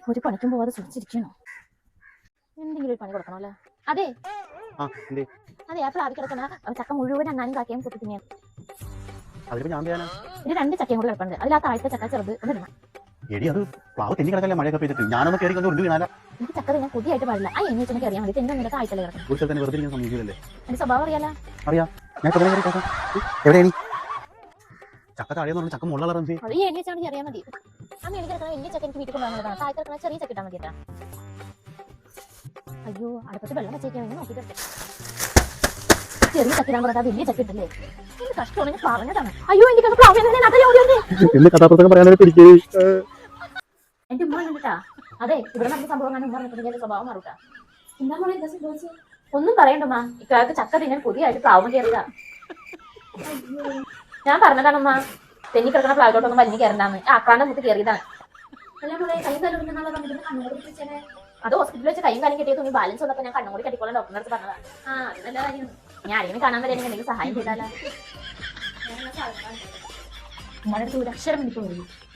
ഒരു പണിക്കും പോവാതെ സൂക്ഷിച്ചിരിക്കണോ? എന്തെങ്കിലും ഒരു പണി കൊടുക്കണമല്ലോ. അതെ അതെ, ആ പ്ലാവിൽ കിടക്കണ ചക്ക മുഴുവൻ അണ്ണാനും കാക്കയും കൊത്തി തിന്നെയാണ്. ഇത് 2 ചക്കയും കൂടെ കിടപ്പുണ്ട്. അതിൽ ആ താഴത്തെ ചക്ക ചെറുത് ഒന്ന് ഇടണം. എനിക്ക് ചക്ക തിന്നാൻ കൊതിയായിട്ട് പാടില്ല. ആ എണ്ണീച്ചൊക്കെ അറിയാൻ വേണ്ടി തെന്നെ താഴ്ത്തല്ലേ കിടക്കണം. എന്റെ സ്വഭാവം അറിയാലോ. അത് ഈ എണ്ണീച്ചാണെങ്കിൽ അറിയാൻ മതി. ആ മേളിൽ കിടക്കണ വലിയ ചക്ക എനിക്ക് വീട്ടിൽ കൊണ്ടുവന്നതാണ്. താഴെ കിടക്കണ ചെറിയ ചക്ക ഇട്ടാൽ മതി കേട്ടാ. അയ്യോ, അടുപ്പത്ത് വെള്ളം വെച്ചേക്കാണ്. നോക്കിയിട്ട് ചെറിയ ചക്കിടാൻ പറഞ്ഞാൽ വലിയ ചക്ക ഇട്ടല്ലേ. എന്ത് കഷ്ടമാണ്, ഞാൻ പറഞ്ഞതാണ്. അയ്യോ, എനിക്ക് എന്റെ ഉമ്മ കണ്ടിട്ടാ. അതെ, ഇവിടെ നടന്ന സംഭവം ഉമ്മ പറഞ്ഞിട്ടുണ്ടെങ്കിൽ സ്വഭാവം മാറൂട്ടാ. എന്താ മോളെ എന്താ സംഭവിച്ചത്? ഒന്നും പറയണ്ടമ്മ, ഇക്കാലത്ത് ചക്ക തിന്നാൻ പുതിയായിട്ട് പ്ലാവും കയറിയതാ. ഞാൻ പറഞ്ഞതാണമ്മ, തെന്നി കിടക്കണ പ്ലാവിലോട്ടൊന്നും വലിഞ്ഞു കയറണ്ടാന്ന്. ആക്രാന്റെ മുത്ത് കയറിയതാണ്. അത് ഹോസ്പിറ്റലിൽ വെച്ച് കൈയും കാലും കെട്ടിയ തുണി ബാലൻസ് വന്നപ്പോ ഞാൻ കണ്ണും കൂടി കെട്ടിക്കോളാൻ ഡോക്ടറിന്റെ അടുത്ത് പറഞ്ഞതാ. അത് നല്ല കാര്യം. ഞാൻ ആരെങ്കിലും കാണാൻ വരെയാണെങ്കിൽ എന്തെങ്കിലും സഹായം ചെയ്താലോ. ഉമ്മയുടെ അടുത്ത് ഒരു അക്ഷരം എനിക്ക് തോന്നി.